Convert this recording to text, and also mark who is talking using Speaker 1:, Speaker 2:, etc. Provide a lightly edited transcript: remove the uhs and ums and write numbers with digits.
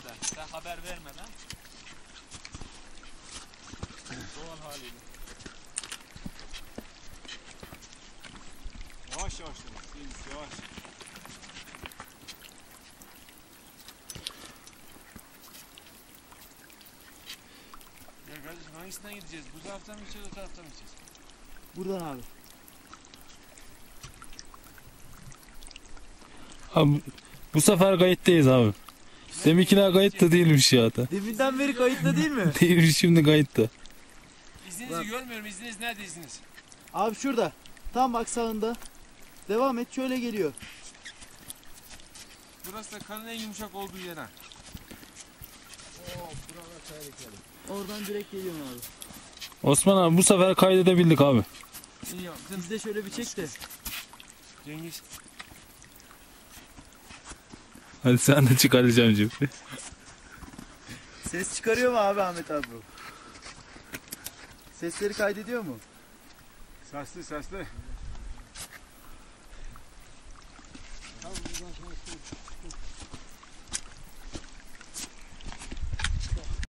Speaker 1: vermeden, sen haber vermeden doğal haliyle. Yavaş yavaş yavaş. Ya kardeşim hangisinden gideceğiz? Bu taraftan mı gideceğiz, o taraftan mı gideceğiz?
Speaker 2: Buradan abi.
Speaker 3: Abi bu sefer kayıttayız abi. Deminkiler kayıtta değilmiş ya da.
Speaker 2: Deminden beri kayıtlı değil mi?
Speaker 3: Değilmiş, şimdi kayıtta.
Speaker 1: İzninizi görmüyorum. İzniniz nerede izniniz?
Speaker 2: Abi şurada. Tam bak sağında. Devam et, şöyle geliyor.
Speaker 1: Burası da kanın en yumuşak olduğu yer ha.
Speaker 2: Oradan direkt geliyorum abi.
Speaker 3: Osman abi bu sefer kaydedebildik abi.
Speaker 1: İyi yaptın.
Speaker 2: Biz de şöyle bir çek de.
Speaker 1: Cengiz.
Speaker 3: Hadi sen de çık Alican'cığım.
Speaker 2: Ses çıkarıyor mu abi Ahmet abi bu? Sesleri kaydediyor mu?
Speaker 1: Sesli.